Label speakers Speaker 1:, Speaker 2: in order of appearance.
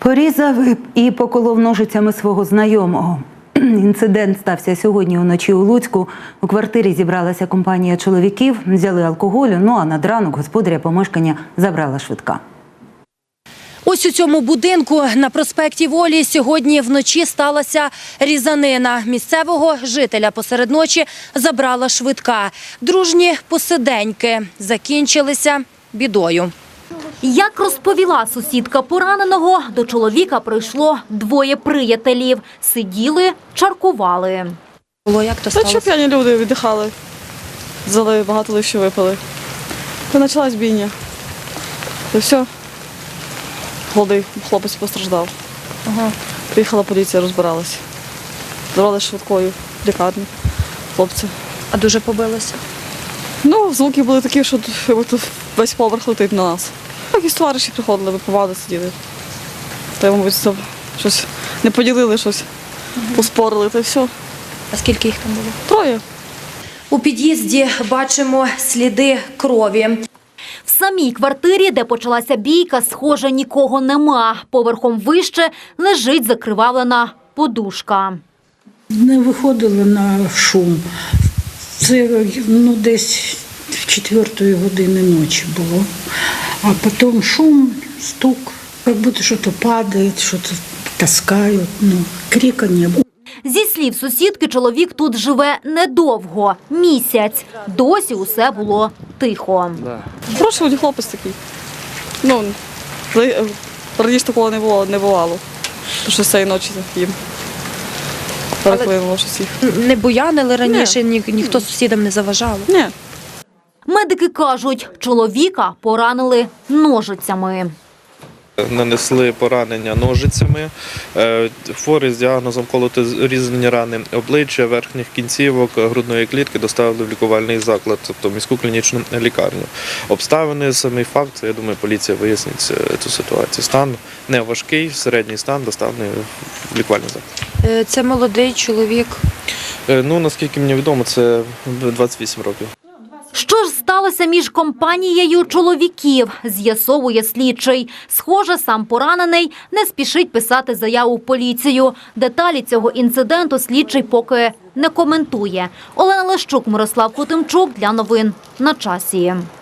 Speaker 1: Порізав і поколов ножицями свого знайомого. Інцидент стався сьогодні вночі у Луцьку. У квартирі зібралася компанія чоловіків, взяли алкоголю, а над ранок господаря помешкання забрала швидка.
Speaker 2: Ось у цьому будинку на проспекті Волі сьогодні вночі сталася різанина. Місцевого жителя посеред ночі забрала швидка. Дружні посиденьки закінчилися бідою.
Speaker 3: Як розповіла сусідка пораненого, до чоловіка прийшло двоє приятелів. Сиділи, чаркували.
Speaker 2: Як то сталося?
Speaker 4: Що п'яні люди віддихали, взяли, багато лише випили. І почалась бійня. І все. Молодий хлопець постраждав. Приїхала поліція, розбиралася. Забрали швидкою в лікарню хлопця.
Speaker 2: А дуже побилися?
Speaker 4: Звуки були такі, що тут весь поверх летить на нас. Якісь товариші приходили, випивали, сиділи. Та, мабуть, щось не поділили, щось поспорили, та все.
Speaker 2: А скільки їх там було?
Speaker 4: Троє.
Speaker 2: У під'їзді бачимо сліди крові.
Speaker 3: В самій квартирі, де почалася бійка, схоже, нікого нема. Поверхом вище лежить закривавлена подушка.
Speaker 5: Не виходили на шум. Це десь в 4 години ночі було. А потім шум, стук, як будто щось падає, щось таскають, крика не було.
Speaker 3: Зі слів сусідки, чоловік тут живе недовго – місяць. Досі усе було тихо.
Speaker 4: Хороший хлопець такий. Раніше такого не бувало. Тому що з цієї ночі їм переклинуло щось їх.
Speaker 2: Не буянили раніше, ніхто сусідам не заважав?
Speaker 4: Ні.
Speaker 3: Медики кажуть, чоловіка поранили ножицями.
Speaker 6: Нанесли поранення ножицями, хворий з діагнозом колото-різані рани обличчя, верхніх кінцівок, грудної клітки доставили в лікувальний заклад, тобто міську клінічну лікарню. Обставини, самий факт, я думаю, поліція вияснить цю ситуацію. Стан не важкий, середній стан доставлений в лікувальний заклад.
Speaker 2: Це молодий чоловік.
Speaker 6: Наскільки мені відомо, це 28 років.
Speaker 3: Що ж сталося між компанією чоловіків, з'ясовує слідчий. Схоже, сам поранений не спішить писати заяву в поліцію. Деталі цього інциденту слідчий поки не коментує. Олена Лещук, Мирослав Хотимчук для новин на часі.